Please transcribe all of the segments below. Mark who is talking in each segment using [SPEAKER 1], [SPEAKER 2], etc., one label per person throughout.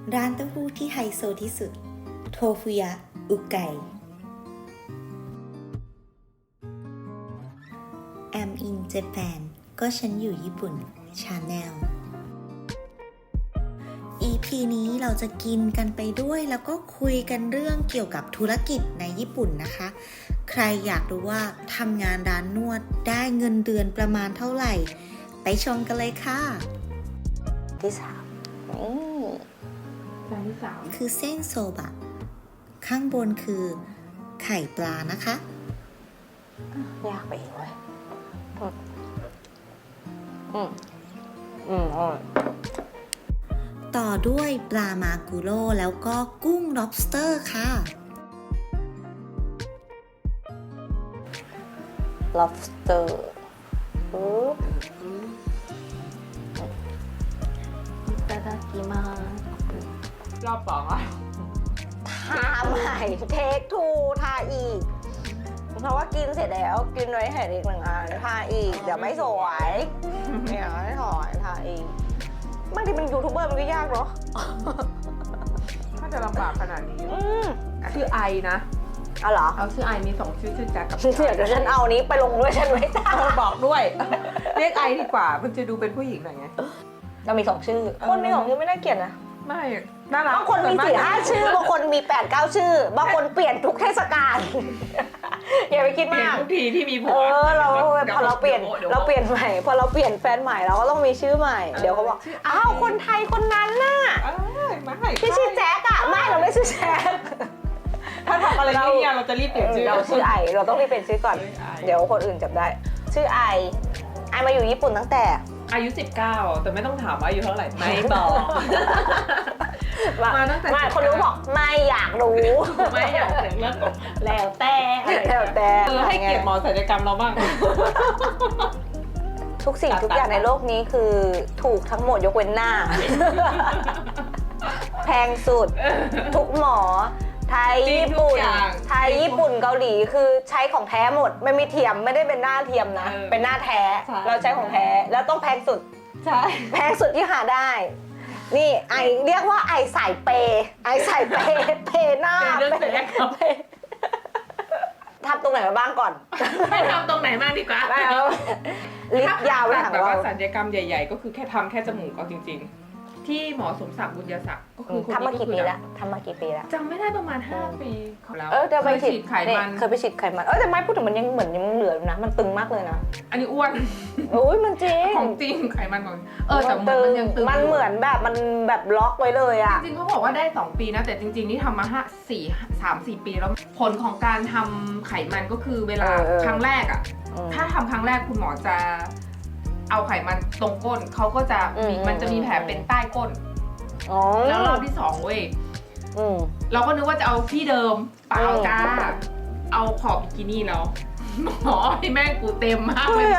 [SPEAKER 1] ร้านเต้าหู้ที่ไฮโซที่สุดโทฟุยะอุไกI'm in Japan ก็ฉันอยู่ญี่ปุ่น Channel EP นี้เราจะกินกันไปด้วยแล้วก็คุยกันเรื่องเกี่ยวกับธุรกิจในญี่ปุ่นนะคะ ใครอยากรู้ว่าทำงานร้านนวดได้เงินเดือนประมาณเท่าไหร่ไปชมกันเลยค่ะที่สาม
[SPEAKER 2] จานที่สาม
[SPEAKER 1] คือเส้นโซบะข้างบนคือไข่ปลานะคะ
[SPEAKER 3] ยากไปอีกเว้ย
[SPEAKER 1] ต่อด้วยปลามากุโร่แล้วก็กุ้ง lobster ค่ะ
[SPEAKER 3] lobster いただきます
[SPEAKER 2] รอบสองอ่ะ
[SPEAKER 3] ทาใหม่เทคทูทาอีกเพราะว่ากินเสร็จแล้วกินไว้ให้อีกหนึ่งอันทาอีกเดี๋ยวไม่สวยไม่เอาให้ถอยทาอีกบางทีเป็นยูทูบเบอร์มันก็ยากเนาะ
[SPEAKER 2] ถ้าจะลำบากขนาดนี้ ชื่อไอนะ
[SPEAKER 3] เอาเหรอ
[SPEAKER 2] เอาชื่อไอมีสองชื่อแจ็คกับ
[SPEAKER 3] เดี๋ยวฉันเอานี้ไปลงด้วยฉันไม่ได้
[SPEAKER 2] บอกด้วย เรียกไอดีกว่า มันจะดูเป็นผู้หญิงหน่อยไง
[SPEAKER 3] เรามี2 ชื่อคนมี2 ชื่อไม่น่าเกลียดนะ
[SPEAKER 2] ไม่น่ารัก
[SPEAKER 3] บางคนมี4-5 ชื่อบางคนมี8-9 ชื่อบางคนเปลี่ยนทุกเทศกาลอย่าไปคิด
[SPEAKER 2] เปลี่ยน
[SPEAKER 3] มาก
[SPEAKER 2] ทุกทีที่มีผัว
[SPEAKER 3] เราพอเราเปลี่ยนใหม่พอเราเปลี่ยนแฟนใหม่เราก็ต้องมีชื่อใหม่ เดี๋ยวเขาบอกอ้าวคนไทยคนนั้นน่ะ
[SPEAKER 2] ไม่
[SPEAKER 3] ที่ชื่อแจ๊กอะไม่เราไม่ชื่อแจ๊ก
[SPEAKER 2] ถ้าทำอะไรเนี่ยเราจะรีบเปลี่ยนชื่อ
[SPEAKER 3] เราชื่อไอเราต้องรีบเป็นชื่อก่อน
[SPEAKER 2] ชื่อไอ
[SPEAKER 3] เดี๋ยวคนอื่นจับได้ ชื่อไอมาอยู่ญี่ปุ่นตั้งแต่
[SPEAKER 2] อายุ 19แต่ไม่ต้องถามว่าอายุเท่าไหร่ไม่บอก มาตั้งแต่
[SPEAKER 3] ไม่คนรู้บอกไม่อยากรู้
[SPEAKER 2] ไม่อยากถึงเรื่องของ
[SPEAKER 3] แล้วแต่แล้วแต่
[SPEAKER 2] ให้เกียรติหมอศัลยกรรมเราบ้าง
[SPEAKER 3] ทุกสิ่งทุกอย่างในโลกนี้คือถูกทั้งหมดยกเว้นหน้า แพงสุด ทุกหมอ ไทยญี่ปุ่นไทยญี่ปุ่นเกาหลีคือใช้ของแท้หมดไม่มีเทียมไม่ได้เป็นหน้าเทียมนะ เป็นหน้าแท้เราใช้ของแท้แล้วต้องแพงสุด
[SPEAKER 2] ใช่
[SPEAKER 3] แพงสุดที่หาได้ นี่ไอเรียกว่าไอสายเปย์ไอสายเปย์เปย์หน้า
[SPEAKER 2] เรื่องศัลยกรรม
[SPEAKER 3] ทำตรงไหนมาบ้างก่อน
[SPEAKER 2] ไม่ทำตรงไหนมากดีกว่า
[SPEAKER 3] ไม่เอาลิฟต์ยาวไปถัง
[SPEAKER 2] แบบ
[SPEAKER 3] เรา
[SPEAKER 2] ว่าศัลยกรรมใหญ่ๆ ก็คือแค่ทำแค่จมูกเอาจริงๆ ที่หมอสมศักดิ์บุญยศักดิ์ก็คือคน
[SPEAKER 3] ทำมา
[SPEAKER 2] นี้ก็
[SPEAKER 3] กี่
[SPEAKER 2] คือ
[SPEAKER 3] ปีละทำมากี่ปีละ
[SPEAKER 2] จำไม่ได้ประมาณ5 ปีแล้ว
[SPEAKER 3] จะไป
[SPEAKER 2] เคยฉีดไขมัน
[SPEAKER 3] เคยไปฉีดไขมันแต่ไม่พูดถึงมันยังเหมือนยังเหลืออยู่นะมันตึงมากเลยนะ
[SPEAKER 2] อันนี้อ้วน
[SPEAKER 3] โอ้ยมันจริง
[SPEAKER 2] ของจริงไขมันของแต่มันยังตึง
[SPEAKER 3] มันเหมือนแบบมันแบบล็อกไว้เลยอ่ะ
[SPEAKER 2] จริงๆเขาบอกว่าได้2 ปีนะแต่จริงๆนี่ทำมา3-4 ปีแล้วผลของการทำไขมันก็คือเวลาครั้งแรกอ่ะถ้าทำครั้งแรกคุณหมอจะเอาไขมันตรงก้นเขาก็จะมันจะมีแผลเป็นใต้ก้นแล้วรอบที่2เว้ยเราก็นึกว่าจะเอาที่เดิมเปล่าจ้าเอาขอบบิกินี่แล้วหมอให้แม่งกูเต็มมากเลย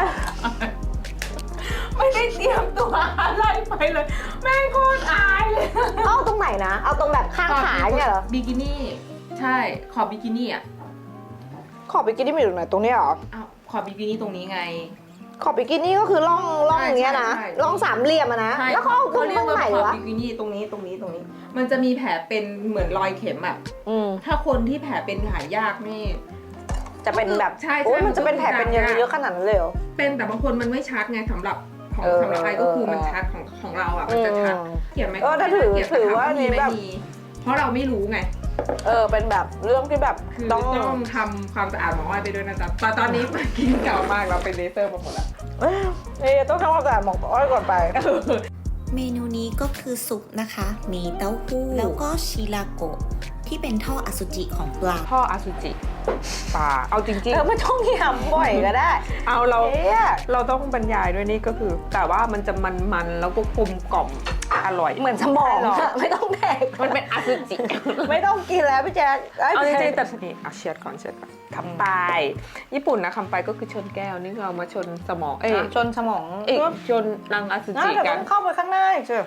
[SPEAKER 2] ไม่ได้เตรียมตัวอะไรไปเลยแม่งโคตรอายเลย
[SPEAKER 3] เอาตรงไหนนะเอาตรงแบบข้างขาเนี่ยเหรอ
[SPEAKER 2] บิกินี่ใช่ขอบบิกินี่อ่ะ
[SPEAKER 3] ขอบบิกินี่มีอยู่ไหนตรงนี้เหรอ
[SPEAKER 2] อ้าวขอบบิกินี่ตรงนี้ไง
[SPEAKER 3] ขอบบิกินี่ก็คือร่องอย่างเงี้ยนะ
[SPEAKER 2] ใช่
[SPEAKER 3] ร่องสามเหลี่ยมอะนะแล้วเขาเอาตรง
[SPEAKER 2] เรียก
[SPEAKER 3] ไหน
[SPEAKER 2] ว่าขอบ
[SPEAKER 3] วะ
[SPEAKER 2] บิกินี่ตรงนี้มันจะมีแผลเป็นเหมือนรอยเข็มอ่ะถ้าคนที่แผลเป็นหายยากนี่
[SPEAKER 3] จะเป็นแบบ
[SPEAKER 2] ใช่
[SPEAKER 3] โอ้ยมันจะเป็นแผลเป็นเยอะๆขนาดนั้นเลยเหรอ
[SPEAKER 2] เป็นแต่บางคนมันไม่ชัดไงสำหรับไอ้ก็คือมันชัดของเราอ่ะมันจะชัดเขียนไหม
[SPEAKER 3] ถ้าถือว่า
[SPEAKER 2] มี
[SPEAKER 3] นี่
[SPEAKER 2] ไม่
[SPEAKER 3] แบบ
[SPEAKER 2] มีเพราะเราไม่รู้ไง
[SPEAKER 3] เป็นแบบเรื่องที่แบบ
[SPEAKER 2] คือ
[SPEAKER 3] ต้อง
[SPEAKER 2] ทำความสะอาดหมออ้อยไปด้วยนะจ๊ะแต่ตอนนี้กินเก่ามากเราเป็นเลเซอร์มาหมดแล้ว
[SPEAKER 3] ต้องทำความสะอาดหมองอ้อยก่อนไป
[SPEAKER 1] เมนูนี้ก็คือซุปนะคะ มีเต้าหู้แล้วก็ชิราโกะที่เป็นท่ออสุจิของปลา
[SPEAKER 2] พ่ออสุจิปลาเอาจริง
[SPEAKER 3] ไม่ต้องยำบ่อยก็ได้
[SPEAKER 2] ๆเอาเราต้องบรรยายด้วยนี่ก็คือ แต่ว่ามันจะมันๆแล้วก็กลมกล่อมอร่อย
[SPEAKER 3] เหมือนสมองอะไม่ต้องแดก
[SPEAKER 2] มันเป็นอสุจิ
[SPEAKER 3] ไม่ต้องกินแล้วพี่แจ๊ค
[SPEAKER 2] เอาจริงๆแต่นี่เอาเชียร์ก่อนคำปลายญี่ปุ่นนะคำปลายก็คือชนแก้วนี่เรามาชนสมอง
[SPEAKER 3] ชนสมอง
[SPEAKER 2] ชนรังอสุจิ
[SPEAKER 3] เดี๋ยว
[SPEAKER 2] กั
[SPEAKER 3] ต้
[SPEAKER 2] น
[SPEAKER 3] องเข้าไปข้างหน้าอีกเชียว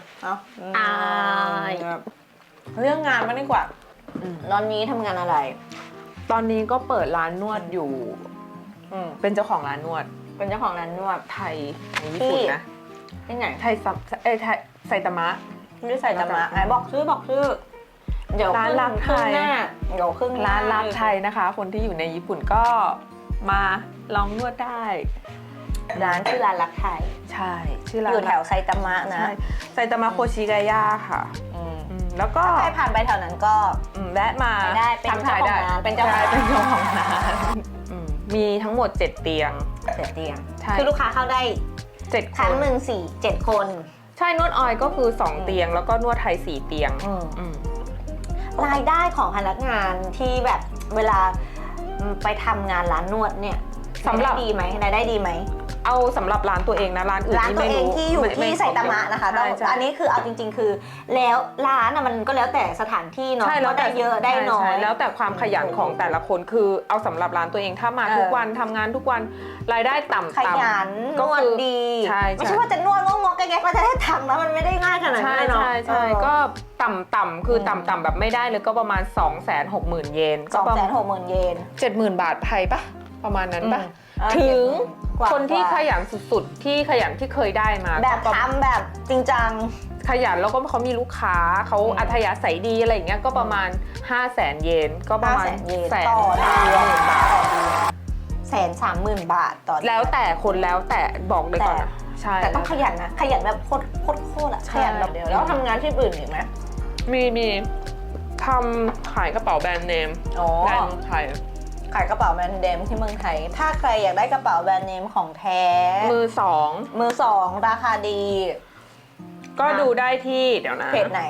[SPEAKER 3] เรื่องงานมันดีกว่าตอนนี้ทำงานอะไร
[SPEAKER 2] ตอนนี้ก็เปิดร้านนวดอยู่เป็นเจ้าของร้านนวด
[SPEAKER 3] เป็นเจ้าของร้านนวด
[SPEAKER 2] ไทยในญี่ปุ่นนะ
[SPEAKER 3] ที่ไหน
[SPEAKER 2] ไทยไซตามะ
[SPEAKER 3] ไม่ใส่ตามะไหนบอกชื่อเดี๋ยว
[SPEAKER 4] ร้านรักไทย
[SPEAKER 3] เดี๋ยวครึ่งห
[SPEAKER 4] ร้านรักไทยนะคะ คนที่อยู่ในญี่ปุ่นก็มาลองนวดได้
[SPEAKER 3] ร้านชื่อร้านรักไทย
[SPEAKER 4] ใช่ชื่อร้าน
[SPEAKER 3] อยู่แถวไซตามะนะ
[SPEAKER 4] ใช่ไซตามะโคชิกายะค่ะ แล้วก็
[SPEAKER 3] ใครผ่านไปแถวนั้นก็
[SPEAKER 4] แวะมา
[SPEAKER 3] ได้เป็น
[SPEAKER 4] ทักทายได้
[SPEAKER 3] เจ้าของร้านเป็นเจ้าของร้าน
[SPEAKER 4] ใช่เป็นเจ้าของร้านมีทั้งหมด7เตียง
[SPEAKER 3] เตียง
[SPEAKER 4] ใช่
[SPEAKER 3] คือลูกค้าเข้าได้
[SPEAKER 4] 7
[SPEAKER 3] ครั้งหนึ่ง7 คน
[SPEAKER 4] ใช่นวดออยก็คือ2เตียง แล้วก็นวดไทย4เตียง
[SPEAKER 3] รายได้ของพนักงานที่แบบเวลาไปทำงานร้านนวดเนี่ย
[SPEAKER 4] สำหรับ
[SPEAKER 3] รายได้ดีไหมรายได้ดีไหม
[SPEAKER 4] เอาสำหรับร้านตัวเองนะร้านอื่น
[SPEAKER 3] ร้าน
[SPEAKER 4] ที่
[SPEAKER 3] ตัว
[SPEAKER 4] ไม่
[SPEAKER 3] เอง
[SPEAKER 4] รู้
[SPEAKER 3] ที่อยู่ที่ไซตามะนะคะ
[SPEAKER 4] ใช่ใช่
[SPEAKER 3] อันนี้คือเอาจริงๆ คือ แล้วร้านมันก็แล้วแต่สถานที่เนาะ
[SPEAKER 4] ใช่แล้ว
[SPEAKER 3] ว่าได้เยอะได้น้อย
[SPEAKER 4] ใช่แล้วแต่ความขยันของแต่ละคนคือเอาสำหรับร้านตัวเองถ้ามาทุกวันทำงานทุกวันรายได้ต่ำ
[SPEAKER 3] ขยันน
[SPEAKER 4] ก็
[SPEAKER 3] วด
[SPEAKER 4] คือ
[SPEAKER 3] ดี
[SPEAKER 4] ใช่
[SPEAKER 3] ไม่ใช่ว่าจะนวดงงๆแก๊กๆแล้วจะได้ทำแล้วมันไม่ได้ง่ายขนาด
[SPEAKER 4] ใช่
[SPEAKER 3] นั้นเนาะ
[SPEAKER 4] ใช่ใช่ก็ต่ำคือต่ำแบบไม่ได้เลยก็ประมาณ 260,000 เยนก็ประมาณ
[SPEAKER 3] 260,000 เยน
[SPEAKER 4] 70,000 บาทไทยปะประมาณนั้นปะ
[SPEAKER 3] อืม
[SPEAKER 4] ถึง
[SPEAKER 3] กว่า
[SPEAKER 4] คนที่ขยันสุดๆที่ขยันที่เคยได้มา
[SPEAKER 3] แบบ
[SPEAKER 4] ก็
[SPEAKER 3] ทำแบบจริงจัง
[SPEAKER 4] ขยันแล้วก็เขามีลูกค้าเขาอัธยาศัยดีอะไรอย่างเงี้ยก็ประมาณ 500,000 เยนก็ประมาณ
[SPEAKER 3] 500,000 เยน
[SPEAKER 4] แสน
[SPEAKER 3] ต่อเดือน
[SPEAKER 4] บาท
[SPEAKER 3] 130,000 บาทต่อเดือน
[SPEAKER 4] แล้วแต่คนแล้วแต่บอกเลยก่อนนะใช่
[SPEAKER 3] แต่ต้องขยันนะขยันแบบโคตรอะ
[SPEAKER 4] ใช่
[SPEAKER 3] ขยันแบบเดียวแล้วทำงานที่อื่นอีกไหม
[SPEAKER 4] มีทำขายกระเป๋าแบรนด์เนม
[SPEAKER 3] อ๋อ
[SPEAKER 4] แบรนด์ไทย
[SPEAKER 3] ขายกระเป๋าแบรนด์เนมที่เมืองไทยถ้าใครอยากได้กระเป๋าแบรนด์เนมของแท้
[SPEAKER 4] มือสอง
[SPEAKER 3] มือสองราคาดี
[SPEAKER 4] ก็ดูได้ที่เดี๋ยวนะ
[SPEAKER 3] เพจไหน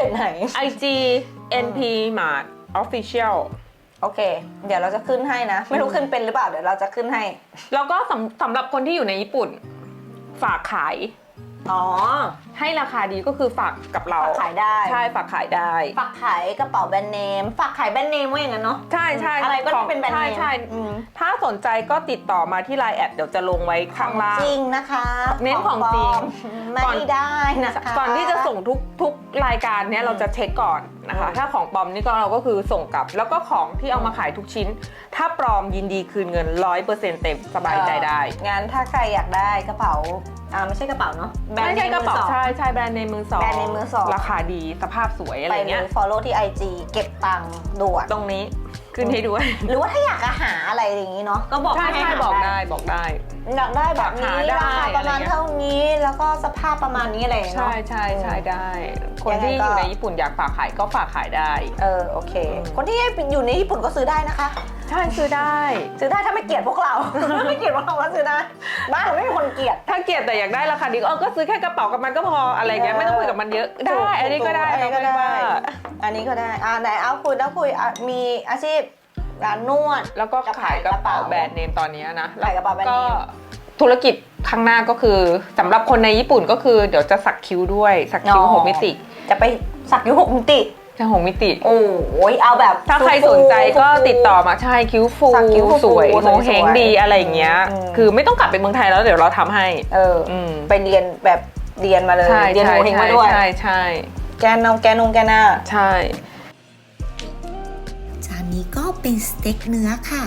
[SPEAKER 4] IG NP Mart Official
[SPEAKER 3] โอเค เดี๋ยวเราจะขึ้นให้นะ ไม่รู้ขึ้นเป็นหรือเปล่าเดี๋ยวเราจะขึ้นให้
[SPEAKER 4] แล้วก็สำหรับคนที่อยู่ในญี่ปุ่น ฝากขาย
[SPEAKER 3] อ๋อ
[SPEAKER 4] ให้ราคาดีก็คือฝากกับเรา
[SPEAKER 3] ฝากขายได้
[SPEAKER 4] ใช่ฝากขายได้
[SPEAKER 3] ฝากขายกระเป๋าแบรนด์เนมฝากขายแบรนด์เนมว่าอย่างนั้นเนาะ
[SPEAKER 4] ใช่ใช่
[SPEAKER 3] อะไรก็
[SPEAKER 4] ของ
[SPEAKER 3] เป็นแบรนด์เนม
[SPEAKER 4] ใช่
[SPEAKER 3] อืม
[SPEAKER 4] ถ้าสนใจก็ติดต่อมาที่ Line แอดเดี๋ยวจะลงไว้ข้างล่าง
[SPEAKER 3] จริงนะคะ
[SPEAKER 4] เน้นของจริง
[SPEAKER 3] ปลอมไม่ได้นะคะ
[SPEAKER 4] ก่อนที่จะส่งทุกรายการเนี้ยเราจะเช็คก่อนนะคะ
[SPEAKER 3] อืม
[SPEAKER 4] ถ้าของปลอมนี่ก็เราก็คือส่งกลับ แล้วก็ของที่เอามาขายทุกชิ้น ถ้าปลอมยินดีคืนเงิน 100% เต็มสบายใจได้
[SPEAKER 3] งั้นถ้าใครอยากได้กระเป๋าไม่ใช่กระเป๋าเนาะแบรน
[SPEAKER 4] ไม่
[SPEAKER 3] ด์เน
[SPEAKER 4] ใช่
[SPEAKER 3] ม
[SPEAKER 4] กระ
[SPEAKER 3] มือ
[SPEAKER 4] เป๋า
[SPEAKER 3] สอง
[SPEAKER 4] ใช่แบรนด์เนมมือสอง
[SPEAKER 3] แบรนด์เนมมือสอง
[SPEAKER 4] ราคาดีสภาพสวยอะไร
[SPEAKER 3] ไปเล
[SPEAKER 4] เงี้ย
[SPEAKER 3] ย follow ที่ IG เก็บตังค์ด่วน
[SPEAKER 4] ตรงนี้ขึ้นให้ด้วย
[SPEAKER 3] หรือว่าถ้าอยากจะหาอะไรอย่างนี้เนาะก็บอก
[SPEAKER 4] ใช่
[SPEAKER 3] ให้
[SPEAKER 4] ใช่
[SPEAKER 3] หา
[SPEAKER 4] บอก
[SPEAKER 3] ได้
[SPEAKER 4] ได้บอกได้
[SPEAKER 3] อยากได้แบบนี้
[SPEAKER 4] หาได้
[SPEAKER 3] ราคาประมาณ
[SPEAKER 4] อะไรเงี้ย
[SPEAKER 3] เท่านี้แล้วก็สภาพประมาณนี้อะไรอย่างเงี้ย
[SPEAKER 4] ใช่
[SPEAKER 3] เนาะ
[SPEAKER 4] ใช่ได้ คน
[SPEAKER 3] ยังไง
[SPEAKER 4] ที่
[SPEAKER 3] ก็
[SPEAKER 4] อยู่ในญี่ปุ่นอยากฝากขายก็ฝากขายได้
[SPEAKER 3] โอเค คนที่อยู่ในญี่ปุ่นก็ซื้อได้นะคะ
[SPEAKER 4] ใช่ซื้อได้
[SPEAKER 3] ซื้อได้ถ้าไม่เกลียดพวกเรา ไม่เกลียดพวกเราก็ซื้อได้บ้านเราไม่มีคนเกลียด
[SPEAKER 4] ถ้าเกลียดแต่อยากได้ราคาดีก็ซื้อแค่กระเป๋ากับมันก็พออะไรเงี้ยไม่ต้องคุยกับมันเยอะได้ อันนี้ก็ได้
[SPEAKER 3] อันนี้ก็ได้
[SPEAKER 4] เราไม่ว่า
[SPEAKER 3] อันนี้ก็ได้ไหนเอาคุยมีอาชีพร้านนวด
[SPEAKER 4] แล้วก็ขายกระเป๋าแบรนด์เนมตอนนี้นะ
[SPEAKER 3] ขายกระเป๋าแบรนด์เนม
[SPEAKER 4] ก็ธุรกิจข้างหน้าก็คือสำหรับคนในญี่ปุ่นก็คือเดี๋ยวจะสักคิ้วด้วยสักคิ้ว6 มิติ
[SPEAKER 3] จะไปสักยุ6 มิติ
[SPEAKER 4] จะ6 มิติ
[SPEAKER 3] โอ้ยเอาแบบ
[SPEAKER 4] ถ้าใครสนใจก็ติดต่อมาใช่คิ้วฟู
[SPEAKER 3] สักคิ้วฟู
[SPEAKER 4] สวย
[SPEAKER 3] สวย
[SPEAKER 4] โงเฮงดีอะไรอย่างเงี้ย คือไม่ต้องกลับไปเมืองไทยแล้วเดี๋ยวเราทำให้
[SPEAKER 3] ไปเรียนแบบเรียนมาเลย
[SPEAKER 4] ใช่
[SPEAKER 3] เรียนโงเฮงมาด้วย
[SPEAKER 4] ใช่
[SPEAKER 3] แกนหน้า
[SPEAKER 4] ใช่
[SPEAKER 1] จานนี้ก็เป็นสเต็กเนื้อค่ะ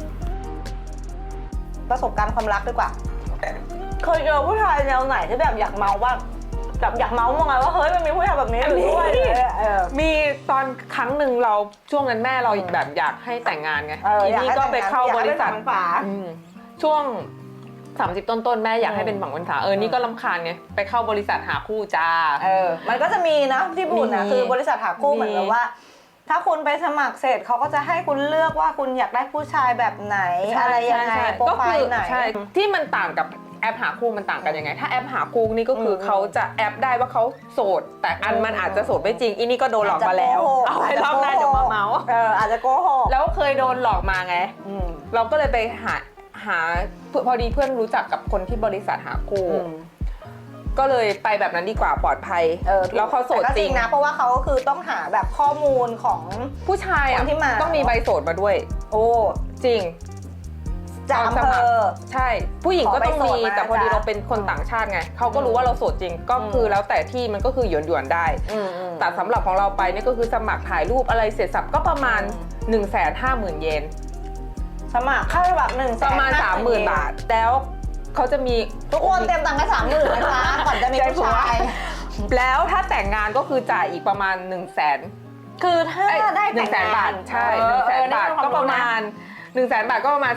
[SPEAKER 3] ประสบการณ์ความรักดีกว่าเคยเจอผู้ชายแนวไหนที่แบบอยากเมาว่าแบบอยากเมาส์มองไงว่าเฮ้ยมันมีผู้ชายแบบนี้อยู่ด้วย
[SPEAKER 4] มีตอนครั้งหนึ่งเราช่วงนั้นแม่เราแบบอยากให้แต่งงานไงทีนี้ก็ไปเข้าบริษัท
[SPEAKER 3] ฝา
[SPEAKER 4] ช่วง 30 ต้นๆแม่อยากให้เป็นฝั่งวันษานี่ก็รำคาญไงไปเข้าบริษัทหาคู่จ้า
[SPEAKER 3] มันก็จะมีนะที่บุญนะ
[SPEAKER 4] มี
[SPEAKER 3] คือบริษัทหาคู่
[SPEAKER 4] มี
[SPEAKER 3] เหมือนกับว่า ถ้าคุณไปสมัครเสร็จเขาก็จะให้คุณเลือกว่าคุณอยากได้ผู้ชายแบบไหนอะไรยังไงโปร
[SPEAKER 4] ก็
[SPEAKER 3] ไฟ
[SPEAKER 4] คือ
[SPEAKER 3] ล์ไหน
[SPEAKER 4] ใช่ที่มันต่างกับแอปหาคู่มันต่างกันยังไง ถ้าแอปหาคู่นี่ก็คือเขาจะแอปได้ว่าเขาโสด แต่อันมันอาจจะโสดไม่จริงอีนี่ก็โดนหลอกมาแล้วเอาไว้รอบหน้าเดี๋ยวมาเมาส์
[SPEAKER 3] อาจจะโกหก
[SPEAKER 4] แล้วเคยโดนหลอกมาไง เราก็เลยไปหาพอดีเพื่อนรู้จักกับคนที่บริษัทหาคู่ก็เลยไปแบบนั้นดีกว่าปลอดภัยแล้วเขาโสด
[SPEAKER 3] แต่ก็
[SPEAKER 4] จริง
[SPEAKER 3] นะเพราะว่าเขาก็คือต้องหาแบบข้อมูลของ
[SPEAKER 4] ผู้ชายอ่ะ
[SPEAKER 3] คนที่มา
[SPEAKER 4] ต้องมีใบโสดมาด้วย
[SPEAKER 3] โอ้
[SPEAKER 4] จริง
[SPEAKER 3] จากอำเภอ
[SPEAKER 4] ใช่ผู้หญิงก็ต้อง
[SPEAKER 3] ขอ
[SPEAKER 4] มี
[SPEAKER 3] ใบโสดมา
[SPEAKER 4] แต่พอดี
[SPEAKER 3] จ้ะ
[SPEAKER 4] เราเป็นคนต่างชาติไงเขาก็รู้ว่าเราโสดจริงก็คือแล้วแต่ที่มันก็คือหยวนๆได้ แต่สำหรับของเราไปนี่ก็คือสมัครถ่ายรูปอะไรเสร็จสับก็ประมาณ 150,000 เยน
[SPEAKER 3] สมัครค่าแบบ1
[SPEAKER 4] ประมาณ 30,000 บาทแล้วเขาจะมี
[SPEAKER 3] ทุกคนเตรียมตังค์ให้30,000นะคะก่อนจะมีผู้ชาย
[SPEAKER 4] แล้วถ้าแต่งงานก็คือจ่ายอีกประมาณ 100,000
[SPEAKER 3] คือถ้าได้แต่งงาน
[SPEAKER 4] 100,000 บาทใช่ 100,000 บาทก็ประมาณ 100,000 บาทก็ประมาณ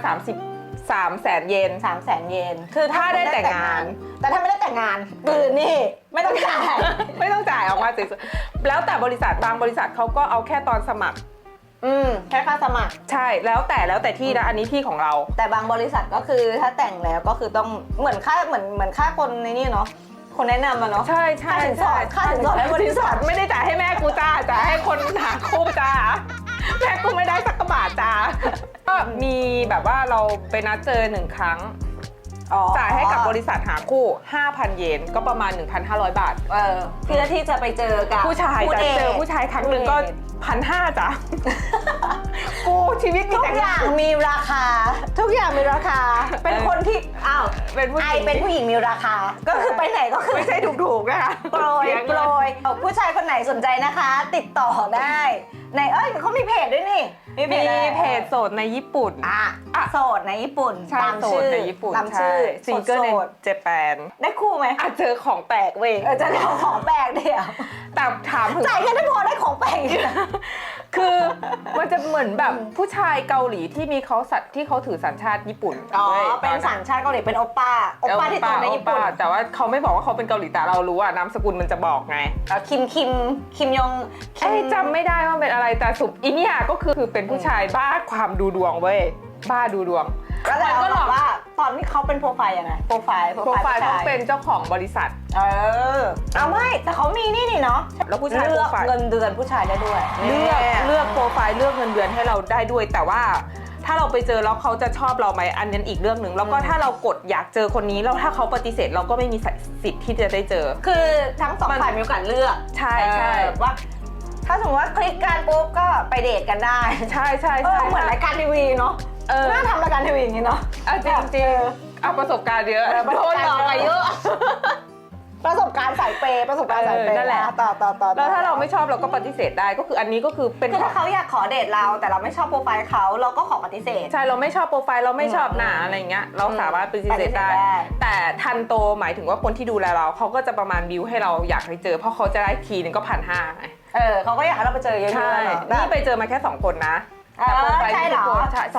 [SPEAKER 4] 3300,000 เยน
[SPEAKER 3] 300,000 เยนคือ
[SPEAKER 4] ถ้าได้แต่งงาน
[SPEAKER 3] แต่ถ้าไม่ได้แต่งงานคือนี่ไม่ต้องจ่าย
[SPEAKER 4] ไม่ต้องจ่ายออกมาสวยๆแล้วแต่บริษัทบางบริษัทเขาก็เอาแค่ตอนสมัคร
[SPEAKER 3] แค่ค่าสมัคร
[SPEAKER 4] ใช่แล้วแต่ที่นะอันนี้ที่ของเรา
[SPEAKER 3] แต่บางบริษัทก็คือถ้าแต่งแล้วก็คือต้องเหมือนค่าคนในนี่เนาะคนแนะนำมาเนาะ
[SPEAKER 4] ใช่
[SPEAKER 3] ค่าสินสอดให้บริษัท
[SPEAKER 4] ไม่ได้จ่ายให้แม่กูจ้าจ่ายให้คนหาคู่จ้าแม่กูไม่ได้สักกระบาทจ้าก็มีแบบว่าเราไปนัดเจอ1 ครั้งจ่ายให้กับบริษัทหาคู่ 5,000 เยนก็ประมาณ 1,500 บาท
[SPEAKER 3] เพื่อที่จะไปเจอกับ
[SPEAKER 4] ผู้ชายจะเจอผู้ชายครั้งหนึ่งก็ 1,500 จ้ะกูชีวิตมี
[SPEAKER 3] ทุก
[SPEAKER 4] แต่
[SPEAKER 3] อย่างมีราคา ทุกอย่างมีราคา เป็นคนที่อ้าว
[SPEAKER 4] เป็นผู้ห
[SPEAKER 3] ไอ
[SPEAKER 4] ญิง
[SPEAKER 3] เป็นผู้หญิงมีราคา ก็คือไปไหนก็คือ
[SPEAKER 4] ไม่ใช่ถูกๆนะคะ
[SPEAKER 3] โปรยผู้ชายคนไหนสนใจนะคะ ติดต่อได้ในเขามีเพจด้วยนี่
[SPEAKER 4] มีเพจโสดในญี่ปุ่น
[SPEAKER 3] โสดในญี่ปุ่น
[SPEAKER 4] ใช่
[SPEAKER 3] ตาม
[SPEAKER 4] โส
[SPEAKER 3] ชื่
[SPEAKER 4] ด
[SPEAKER 3] อ
[SPEAKER 4] ในญี่ปุ่น
[SPEAKER 3] ตามชื่อ
[SPEAKER 4] ซิงเกิลใน
[SPEAKER 3] โสด
[SPEAKER 4] เจแปน
[SPEAKER 3] ได้คู่ไหม
[SPEAKER 4] เจอของแปลกเว้ย
[SPEAKER 3] จะได้ของแปลกเดียว
[SPEAKER 4] แต่ถามถึง
[SPEAKER 3] จ่ายแค่ได้พอได้ของแปลกอีกนะ
[SPEAKER 4] คือมันจะเหมือนแบบผู้ชายเกาหลีที่มีเขาสัตว์ที่เขาถือสัญชาติญี่ปุ่น
[SPEAKER 3] เป็นสัญชาติเกาหลีเป็นโอป้าที่ตัวในญี่ปุ่น
[SPEAKER 4] แต่ว่าเขาไม่บอกว่าเขาเป็นเกาหลีแต่เรารู้นามสกุลมันจะบอกไง
[SPEAKER 3] คิมยง
[SPEAKER 4] จำไม่ได้ว่าเป็นอะไรแต่สุดอีเนี่ยก็คือเป็นผู้ชายบ้าความดูดวงเว้ยบ้าดูดวง
[SPEAKER 3] ก็เลยก็บอกว่าตอนที่เขาเป็นโปรไฟล์ยังไงโปรไฟล์
[SPEAKER 4] ต้องเป็นเจ้าของบริษัท
[SPEAKER 3] เอาไม่แต่เขามีนี่เนาะ
[SPEAKER 4] แล้วผู้ชาย
[SPEAKER 3] เลื
[SPEAKER 4] โปร
[SPEAKER 3] อก
[SPEAKER 4] ไฟล์
[SPEAKER 3] เงินเดือนผู้ชายได้ด้วย
[SPEAKER 4] เลือกโปรไฟล์เลือกเงินเดือนให้เราได้ด้วยแต่ว่าถ้าเราไปเจอแล้วเขาจะชอบเราไหมอันนั้นอีกเรื่องหนึ่งแล้วก็ถ้าเรากดอยากเจอคนนี้แล้วถ้าเขาปฏิเสธเราก็ไม่มีสิทธิ์ที่จะได้เจอ
[SPEAKER 3] คือทั้งสองฝ่ายมีโอกาสเลือก
[SPEAKER 4] ใช่ใช่
[SPEAKER 3] ว่าถ้าสมมติว่าคลิกกันปุ๊บก็ไปเดทกันได้
[SPEAKER 4] ใช่ใช่
[SPEAKER 3] เหมือนรายการทีวีเนาะน่าทำรายการทีวีอย่างนี้เนาะ
[SPEAKER 4] จริงๆเอาประสบการณ์เยอะโดนหลอกมาเยอะ
[SPEAKER 3] ประสบการณ์สายเปย์
[SPEAKER 4] นั่นแหละ
[SPEAKER 3] ต่อ
[SPEAKER 4] แล้วถ้าเราไม่ชอบเราก็ปฏิเสธได้ก็คืออันนี้ก็คือเป็น
[SPEAKER 3] คือถ้าเขาอยากขอเดทเราแต่เราไม่ชอบโปรไฟล์เขาเราก็ขอปฏิเสธ
[SPEAKER 4] ใช่เราไม่ชอบโปรไฟล์เราไม่ชอบหน้าอะไรเงี้ยเราสามารถปฏิเสธได้แต่ทันโตหมายถึงว่าคนที่ดูแลเราเขาก็จะประมาณบิวให้เราอยากให้เจอเพราะเขาจะได้ทีนึงก็1,500ไง
[SPEAKER 3] เขาก็อยากให้เราไปเจอเยอะๆ
[SPEAKER 4] ใช่นี่ไปเจอมาแค่2 คนนะแต่โปรไฟล์
[SPEAKER 3] ใช่เหรอ
[SPEAKER 4] ใช่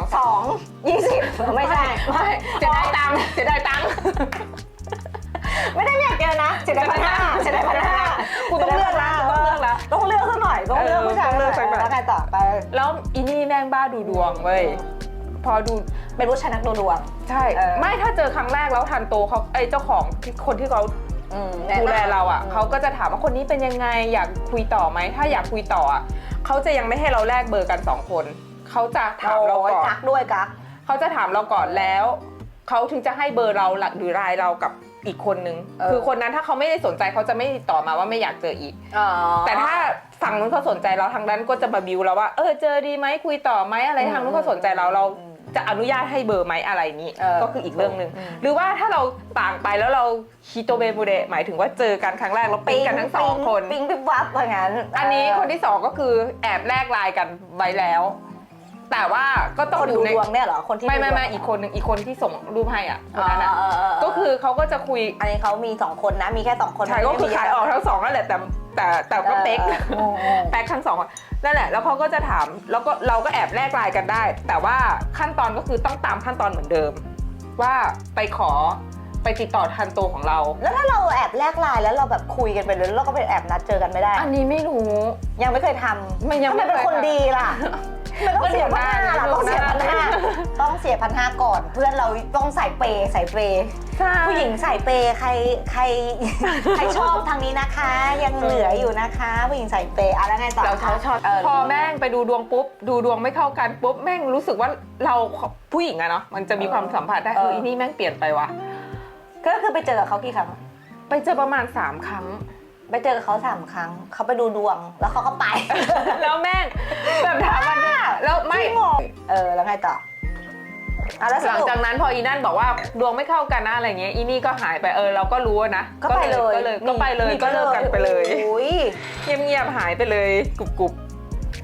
[SPEAKER 3] 20ไม่ใช่
[SPEAKER 4] จะได้ตังค์จะได้ตังค์
[SPEAKER 3] ไม่ได้อยากเจอนะจะได้1,500
[SPEAKER 4] กูต้องเลือกแล้ว
[SPEAKER 3] ต้องเลือกซะหน่อยต้องเลือกผู้ชายแล้วไงต่อไป
[SPEAKER 4] แล้วอีนี่แม่งบ้าดูดวงเว้ยพอดู
[SPEAKER 3] เป็นผู้ชายนักดูดวง
[SPEAKER 4] ใช่ไม่ถ้าเจอครั้งแรกแล้วทันโตเขาเจ้าของคนที่เขาดูแลเราเขาก็จะถามว่าคนนี้เป็นยังไงอยากคุยต่อไหมถ้าอยากคุยต่อเขาจะยังไม่ให้เราแลกเบอร์กัน2 คนเขาจะถามเราก่อน
[SPEAKER 3] กักด้วยกัก
[SPEAKER 4] เขาจะถามเราก่อนแล้วเขาถึงจะให้เบอร์เราหรือไลน์เรากับอีกคนนึงคือคนนั้นถ้าเขาไม่ได้สนใจเขาจะไม่ติดต่อมาว่าไม่อยากเจออีกแต่ถ้าฝั่งนู้นเขาสนใจเราทางนั้นก็จะมาบิวเราว่าเจอดีไหมคุยต่อไหมอะไรทางนู้นเขาสนใจเราจะอนุญาตให้เบอร์ไหมอะไรนี้ก็คืออีกเรื่องนึงหรือว่าถ้าเราต่างไปแล้วเราฮิโตเบมูเดหมายถึงว่าเจอกันครั้งแรกเราปิ๊งกันทั้ง2 คน
[SPEAKER 3] ปิ๊งปิ๊บวับอย่างนั้น
[SPEAKER 4] อันนี้คนที่2ก็คือแอบแลกไลน์กันไว้แล้วแต่ว่าก็ต้อง
[SPEAKER 3] ดูดวงเนี่ยเหรอคนที่
[SPEAKER 4] ไม่อีกคนนึงอีกคนที่ส่งรูปให้คนนั้นก็คือเขาก็จะคุย
[SPEAKER 3] อันนี้เขามี2 คนนะมีแค่2 คน
[SPEAKER 4] ใช่ก็คือขายออกทั้ง2นั่นแหละแต่ก็เป๊กทั้ง2นั่นแหละแล้วเขาก็จะถามแล้วก็เราก็แอบแลกไลน์กันได้แต่ว่าขั้นตอนก็คือต้องตามขั้นตอนเหมือนเดิมว่าไปติดต่อทันโตของเรา
[SPEAKER 3] แล้วถ้าเราแอบแลกไลน์แล้วเราแบบคุยกันไปเลยแล้วเราก็ไปแอบนัดเจอกันไม่ได้
[SPEAKER 4] อันนี้ไม่รู้
[SPEAKER 3] ยังไม่เคยทำยังไม่เป็นคนดีล่ะต้องเสีย1,500ล่ะต้องเสีย1,500ก่อนเพื่อนเราต้องใส่เปย์ผู้หญิงใส่เปย์ใครชอบทางนี้นะคะยังเหลืออยู่นะคะผู้หญิงใส่เปย์อะไรไงต่อ
[SPEAKER 4] เราชอบพอแม่งไปดูดวงปุ๊บดูดวงไม่เข้ากันปุ๊บแม่งรู้สึกว่าเราผู้หญิงอะเนาะมันจะมีความสัมผัสได้อีนี่แม่งเปลี่ยนไปว่ะ
[SPEAKER 3] ก็คือไปเจอกับเขากี่ครั้ง
[SPEAKER 4] ไปเจอประมาณ3 ครั้ง
[SPEAKER 3] ไปเจอกับเขา3 ครั้งเขาไปดูดวงแล้วเขาก็ไป
[SPEAKER 4] แล้วแม่งแบบถามมันแล้วไม่
[SPEAKER 3] แล้วไงต่อ
[SPEAKER 4] หลังจากนั้นพออีนั่นบอกว่าดวงไม่เข้ากันนะอะไรเงี้ยอีนี่ก็หายไปเราก็รู้นะ
[SPEAKER 3] ก็ไปเลย
[SPEAKER 4] ก็ไปเลยก็เลิกกันไปเลย
[SPEAKER 3] เ
[SPEAKER 4] งียบหายไปเลยกุบ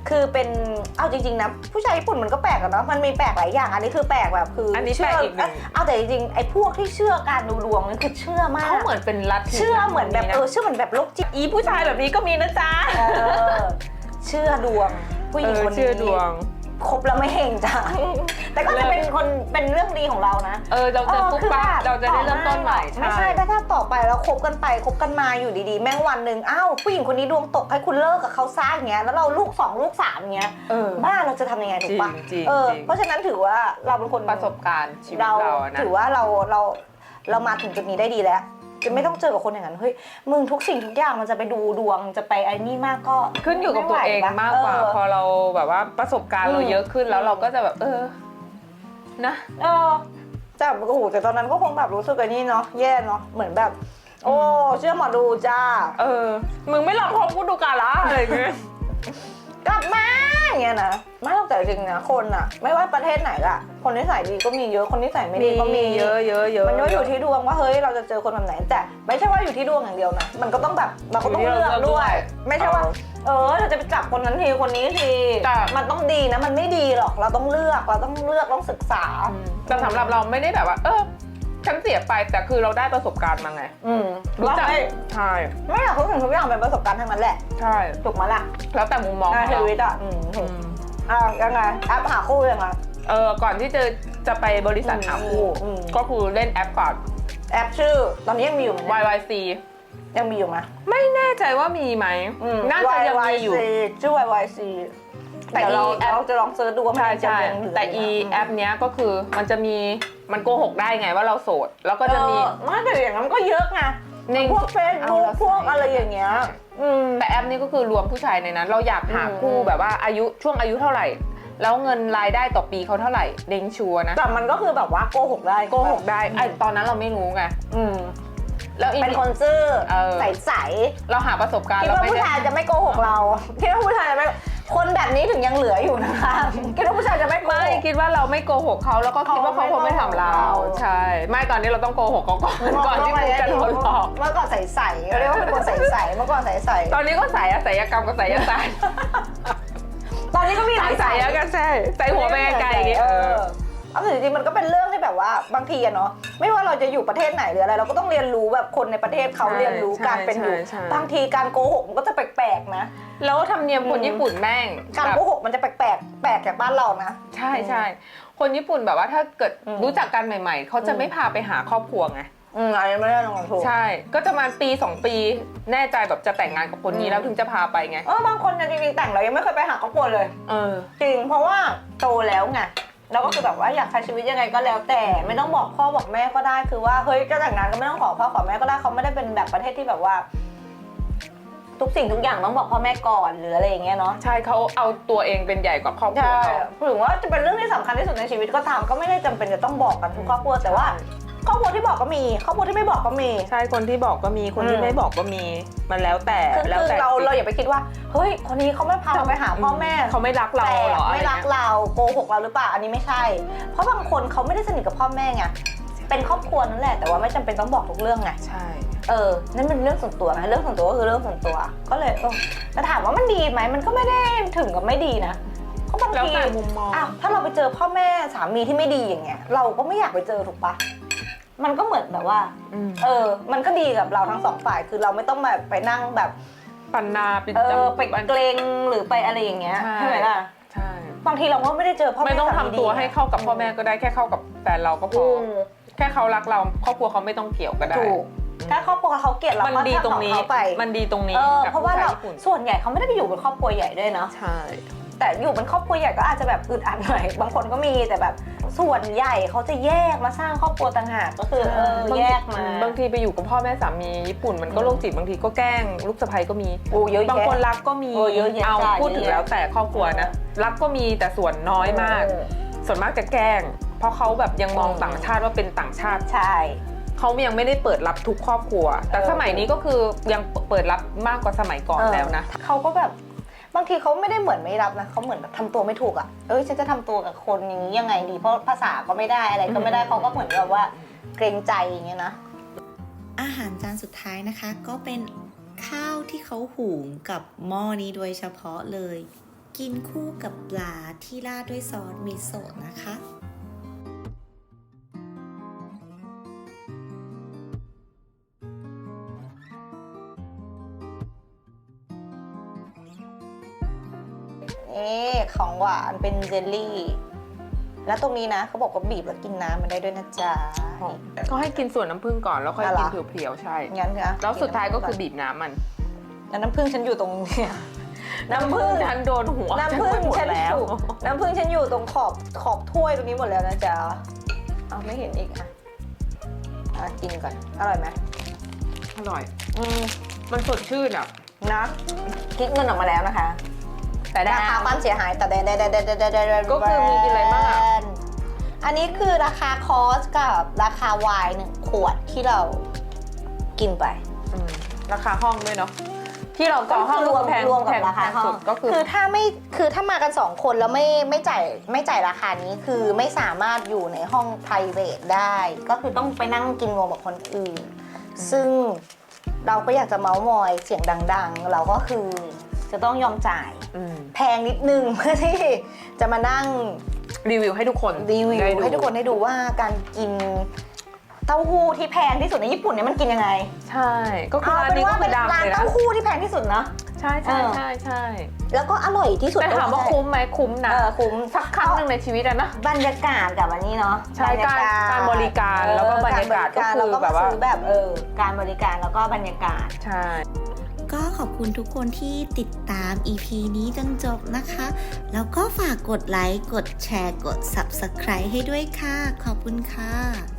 [SPEAKER 3] คือเป็นเอาจริงๆนะผู้ชายญี่ปุ่นมันก็แปลกอะเนาะมันมีแปลกหลายอย่างอันนี้คือแปลกแบบคืออั
[SPEAKER 4] นนี้แปลกอีกหนึ่ง
[SPEAKER 3] เอาแต่จริงๆไอ้พวกที่เชื่อการดูดวงนี่คือเชื่อมาก
[SPEAKER 4] เขาเหมือนเป็นลัทธิ
[SPEAKER 3] เชื่อเหมือนแบบเชื่อเหมือนแบบโรคจิต
[SPEAKER 4] อีผู้ชายแบบนี้ก็มีนะจ๊ะ
[SPEAKER 3] เชื่อดวงผู้หญิงคนนี้
[SPEAKER 4] เชื่อดวง
[SPEAKER 3] คบแล้วไม่เฮงจ้ะแต่ก็จะเป็นคนเป็นเรื่องดีของเรานะ
[SPEAKER 4] เราจะปุ๊บปั๊บเราจะได้เริ่มต้นใหม่
[SPEAKER 3] ไม่ใช่ถ้าต่อไปแล้วคบกันไปคบกันมาอยู่ดีๆแม่งวันหนึ่งอ้าวผู้หญิงคนนี้ดวงตกให้คุณเลิกกับเขาซะอย่างเงี้ยแล้วเราลูก2ลูก3อย่างเงี้ยบ้าเราจะทำยังไงถูกปะ
[SPEAKER 4] จริง
[SPEAKER 3] เพราะฉะนั้นถือว่าเราเป็นคน
[SPEAKER 4] ประสบการณ์ชีวิตเรานะ
[SPEAKER 3] ถือว่าเรามาถึงจุดนี้ได้ดีแล้วจะไม่ต้องเจอกับคนอย่างนั้นเฮ้ยมึงทุกสิ่งทุกอย่างมันจะไปดูดวงจะไปไอ้นี่มากก็
[SPEAKER 4] ขึ้นอยู่กับตัวเองมากกว่าพอเราแบบว่าประสบการณ์เราเยอะขึ้นแล้วเราก็จะแบบนะ
[SPEAKER 3] แต่โอ้โหแต่ตอนนั้นก็คงแบบรู้สึกไอ้นี่เนาะแย่เนาะเหมือนแบบ โอ้เชื่อหมอดูจ้า
[SPEAKER 4] มึงไม่ลองพบกูดูกันละอะไรอย่างเงี้ย
[SPEAKER 3] กลับมาอย่างเงี้ยนะไม่ต้องแต่จริงนะคนอะไม่ว่าประเทศไหนอะคนนิสัยดีก็มีเยอะคนนิสัยไม่ดีก็มี
[SPEAKER 4] เยอะ
[SPEAKER 3] มันก็อยู่ที่ดวงว่าเฮ้ยเราจะเจอคนแบบไหนแต่ไม่ใช่ว่าอยู่ที่ดวงอย่างเดียวนะมันก็ต้องแบบเราก็ต้องเลือกด้วย ไม่ใช่ว่าเราจะไปจับคนนั้นทีคนนี้ทีมันต้องดีนะมันไม่ดีหรอกเราต้องเลือกต้องศึกษา
[SPEAKER 4] แต่สำหรับเราไม่ได้แบบว่าฉันเสียไปแต่คือเราได้ประสบการณ์มาไงรู้จักใช่
[SPEAKER 3] ไม่อยากทุกสิ่งทุกอย่างเป็นประสบการณ์ทั้งนั้นแหละ
[SPEAKER 4] ใช่
[SPEAKER 3] ถูกไหมล่ะ
[SPEAKER 4] แล้วแต่มุมมองของ
[SPEAKER 3] ชี
[SPEAKER 4] เรา
[SPEAKER 3] วิตอ่ะยังไงแอปหาคู่ยังไง
[SPEAKER 4] ก่อนที่จะไปบริษัทหาคู่ก็คือเล่นแอปก่อน
[SPEAKER 3] แอปชื่อตอนนี้ยังมีอยู่ไหม
[SPEAKER 4] YYC
[SPEAKER 3] ยังมีอยู่ไหม
[SPEAKER 4] ไม่แน่ใจว่ามีไหมน่าจะยังมีอยู่
[SPEAKER 3] ชื่อ YYC แต่เราจะลองเซิร์ชดูว่ามันจะยังเหลือ
[SPEAKER 4] แต่แอปเนี้ยก็คือมันโกหกได้ไงว่าเราโสดแล้วก็จะมี
[SPEAKER 3] ไม่แต่อย่างนั้นก็เยอะไงพวกเฟซบุ๊กพวกอะไรอย่างเงี้ย
[SPEAKER 4] แต่แอปนี้ก็คือรวมผู้ชายในนั้นเราอยากหาคู่แบบว่าช่วงอายุเท่าไหร่แล้วเงินรายได้ต่อปีเขาเท่าไหร่เด้งชัวร์นะ
[SPEAKER 3] แต่มันก็คือแบบว่าโกหกได้
[SPEAKER 4] ไอ้ตอนนั้นเราไม่รู้ไงแล้ว
[SPEAKER 3] เป็นคนซื่อใส
[SPEAKER 4] เราหาประสบการณ์
[SPEAKER 3] คิดว่าผู้ชายจะไม่โกหกเราคิดว่าผู้ชายจะไม่คนแบบนี้ถึงยังเหลืออยู่นะคะคิดว่าผู้ชายจะไม่โกหก
[SPEAKER 4] ไม่คิดว่าเราไม่โกหกเขาแล้วก็คิดว่าเขาคงไม่ทำเราใช่ไม่ตอนนี้เราต้องโกหกเขาก่อนที่กูจะโดนหลอก
[SPEAKER 3] เมื่อก่อนใสๆเรียกว่าเป็นคนใสๆเมื่อก่อนใสๆ
[SPEAKER 4] ตอนนี้ก็ใส่ศัลยกรรมกับศัลยศาสตร์
[SPEAKER 3] ตอนนี้ก็มีหลาย
[SPEAKER 4] ใส่แล้วกันใช่ใส่หัวไปไกลๆ
[SPEAKER 3] เอาจริงๆมันก็เป็นเรื่องที่แบบว่าบางทีอะเนาะไม่ว่าเราจะอยู่ประเทศไหนหรืออะไรเราก็ต้องเรียนรู้แบบคนในประเทศเขาเรียนรู้การเป็นอยู่บางทีการโกหกมันก็จะแปลกๆนะ
[SPEAKER 4] แล้วธรรมเนียมคนญี่ปุ่นแม่ง
[SPEAKER 3] การโกหกมันจะแปลกจากบ้านเรานะ
[SPEAKER 4] ใช่ใช่คนญี่ปุ่นแบบว่าถ้าเกิดรู้จักกันใหม่ๆเขาจะไม่พาไปหาครอบครัวไง
[SPEAKER 3] อันนี้ไม่ได้ลงทุน
[SPEAKER 4] ใช่ก็จะมาปี2ปีแน่ใจแบบจะแต่งงานกับคนนี้แล้วถึงจะพาไปไง
[SPEAKER 3] บางคนจริงๆแต่งเรายังไม่เคยไปหาครอบครัวเลยจริงเพราะว่าโตแล้วไงเราก็คือแบบว่าอยากใช้ชีวิตยังไงก็แล้วแต่ไม่ต้องบอกพ่อบอกแม่ก็ได้คือว่าเฮ้ยจะแต่งงานก็ไม่ต้องขอพ่อขอแม่ก็ได้เขาไม่ได้เป็นแบบประเทศที่แบบว่าทุกสิ่งทุกอย่างต้องบอกพ่อแม่ก่อนหรืออะไรอย่างเงี้ยเนาะ
[SPEAKER 4] ใช่เขาเอาตัวเองเป็นใหญ่กว่าครอบครัว
[SPEAKER 3] ถึงว่าจะเป็นเรื่องที่สำคัญที่สุดในชีวิตก็ตามก็ไม่ได้จำเป็นจะต้องบอกกันทุกครอบครัวแต่ว่าครอบครัวที่บอกก็มีครอบครัวที่ไม่บอกก็มี
[SPEAKER 4] ใช่คนที่บอกก็มีคนที่ไม่บอกก็มีมันแล้วแต่
[SPEAKER 3] แล้วแต่เราอย่าไปคิดว่าเฮ้ยคนนี้เขาไม่พาเราไปหาพ่อแม่
[SPEAKER 4] เขาไม่รักเราหรอ
[SPEAKER 3] ไม่รักเราโกหกเราหรือเปล่าอันนี้ไม่ใช่เพราะบางคนเขาไม่ได้สนิทกับพ่อแม่ไงเป็นครอบครัวนั่นแหละแต่ว่าไม่จำเป็นต้องบอกทุกเรื่องไง
[SPEAKER 4] ใช่
[SPEAKER 3] นั่นเป็นเรื่องส่วนตัวนะเรื่องส่วนตัวก็คือเรื่องส่วนตัวก็เลยแต่ถามว่ามันดีไหมมันก็ไม่ได้ถึงกับไม่ดีนะเพราะบางทีถ้าเราไปเจอพ่อแม่สามีที่ไม่ดีอย่างเงี้ยเราก็ไม่อยากไปเจอถูกปะมันก็เหมือนแบบว่ามันก็ดีกับเราทั้งสองฝ่ายคือเราไม่ต้องแบบไปนั่งแบบ
[SPEAKER 4] ปันนาไป
[SPEAKER 3] เกรงหรือไปอะไรอย่างเงี้ยใช่ไหมล่ะ
[SPEAKER 4] ใช่
[SPEAKER 3] บางทีเราก็ไม่ได้เจอพ่อแม่
[SPEAKER 4] ไม่ต้องทำตัวให้เข้ากับพ่อแม่ก็ได้แค่เข้ากับแฟนเราก็พอแค่เขารักเราครอบครัวเขาไม่ต้องเกี่ยวก็ได้
[SPEAKER 3] ถ้าครอบครัวเขาเกลียดเรา
[SPEAKER 4] มันดีตรงนี้มันดีตรงนี้
[SPEAKER 3] เพราะว่าเราส่วนใหญ่เขาไม่ได้ไปอยู่เป็นครอบครัวใหญ่ด้วยเนาะ
[SPEAKER 4] ใช่
[SPEAKER 3] แต่อยู่เป็นครอบครัวใหญ่ก็อาจจะแบบอึดอัดหน่อยบางคนก็มีแต่แบบส่วนใหญ่เขาจะแยกมาสร้างครอบครัวต่างหากก็คือแยกมา
[SPEAKER 4] บางทีไปอยู่กับพ่อแม่สามีญี่ปุ่นมันก็โรคจิตบางทีก็แกล้งลูกสะใภ้ก็มีบางคนรักก็มีเอาพูดถึงแล้วแต่ครอบครัวนะรักก็มีแต่ส่วนน้อยมากส่วนมากจะแกล้งเพราะเขาแบบยังมองต่างชาติว่าเป็นต่างชาติ
[SPEAKER 3] ใช่
[SPEAKER 4] เขายังไม่ได้เปิดรับทุกครอบครัวแต่สมัยนี้ก็คือยังเปิดรับมากกว่าสมัยก่อนแล้วนะ
[SPEAKER 3] เขาก็แบบบางทีเขาไม่ได้เหมือนไม่รับนะเขาเหมือนแบบทำตัวไม่ถูกอ่ะฉันจะทำตัวกับคนอย่างนี้ยังไงดีเพราะภาษาก็ไม่ได้อะไรก็ไม่ได้เขาก็เหมือนแบบว่าเกรงใจอย่างเงี้ยนะ
[SPEAKER 1] อาหารจานสุดท้ายนะคะก็เป็นข้าวที่เขาหุงกับหม้อนี้โดยเฉพาะเลยกินคู่กับปลาที่ราดด้วยซอสมิโซะนะคะ
[SPEAKER 3] นี่ของหวานเป็นเจลลี่ แล้วตรงนี้นะเขาบอกว่าบีบแล้วกินน้ำมันได้ด้วยนะจ๊ะ
[SPEAKER 4] ก็ให้กินส่วนน้ำผึ้งก่อนแล้วค่อย
[SPEAKER 3] อะไร
[SPEAKER 4] กินเพียวๆใช่
[SPEAKER 3] งั้นนะ
[SPEAKER 4] แล้วสุดท้ายก็คือบีบน้ำมัน
[SPEAKER 3] แล้วน้ำผึ้งฉันอยู่ตรงเนี้ยน้ำผึ้ง
[SPEAKER 4] ฉันโดนหัว
[SPEAKER 3] น้ำผึ้ง
[SPEAKER 4] ฉันไปหมด
[SPEAKER 3] ฉัน
[SPEAKER 4] แล้ว
[SPEAKER 3] อยู่น้ำผึ้งฉันอยู่ตรงขอบถ้วยตรงนี้หมดแล้วนะจ๊ะเอาไม่เห็นอีกกินก่อนอร่อยไหม
[SPEAKER 4] อร่อย
[SPEAKER 3] อืม
[SPEAKER 4] มันสดชื่นอ่ะ
[SPEAKER 3] นะคิดเงินออกมาแล้วนะคะ
[SPEAKER 4] แต่ได้
[SPEAKER 3] ราคาความเสียหายแต่แดน
[SPEAKER 4] ก็คือมีกินอะไรบ้างอะ
[SPEAKER 3] อันนี้คือราคาคอสกับราคาไวน์1 ขวดที่เรากินไป
[SPEAKER 4] ราคาห้องด้วยเนาะที่เราต่อห้อง
[SPEAKER 3] รวม
[SPEAKER 4] แพง
[SPEAKER 3] รวม
[SPEAKER 4] แพ
[SPEAKER 3] กับ
[SPEAKER 4] ง
[SPEAKER 3] ราคาห้อ
[SPEAKER 4] สุ
[SPEAKER 3] ง
[SPEAKER 4] ดก็คือ
[SPEAKER 3] คือถ้ามากัน2 คนแล้วไม่จ่ายราคานี้คือไม่สามารถอยู่ในห้อง private ได้ ก็คือต้องไปนั่งกินรวมกับคนอื่น ซึ่งเราก็อยากจะเมาส์มอยเสียงดังๆ เราก็คือจะต้องยอมจ่ายแพงนิดนึง เพื่อที่จะมานั่ง
[SPEAKER 4] รีวิวให้ทุกคน
[SPEAKER 3] รีวิว
[SPEAKER 4] ได้ดู
[SPEAKER 3] ให้ทุกคนได้ดูว่าการกินเต้าหู้ที่แพงที่สุดในญี่ปุ่นเนี่ยมันกินยังไง
[SPEAKER 4] ใช่ก็คือร้านนี้ก็คือดัง
[SPEAKER 3] ร้าน
[SPEAKER 4] เลยนะ
[SPEAKER 3] เต้าหู้ที่แพงที่สุดนะ
[SPEAKER 4] ใช่ใช่ใช่ใช่
[SPEAKER 3] แล้วก็อร่อยที่สุด
[SPEAKER 4] แต่ถามว่า
[SPEAKER 3] ด้วย
[SPEAKER 4] คุ้มไหมคุ้มนะ
[SPEAKER 3] คุ้ม
[SPEAKER 4] สักครั้งหนึ่งในชีวิตอะนะ
[SPEAKER 3] บรรยากาศกับอันนี้เนาะ
[SPEAKER 4] ใช่การบริการแล้วก็บรรยากาศก็คือ
[SPEAKER 3] แล้วก็
[SPEAKER 4] แบบว่า
[SPEAKER 3] ซื้อแบบการบริการแล้วก็บรรยากาศ
[SPEAKER 4] ใช่
[SPEAKER 1] ก็ขอบคุณทุกคนที่ติดตาม EP นี้จนจบนะคะ แล้วก็ฝากกดไลค์ กดแชร์ กด Subscribe ให้ด้วยค่ะ ขอบคุณค่ะ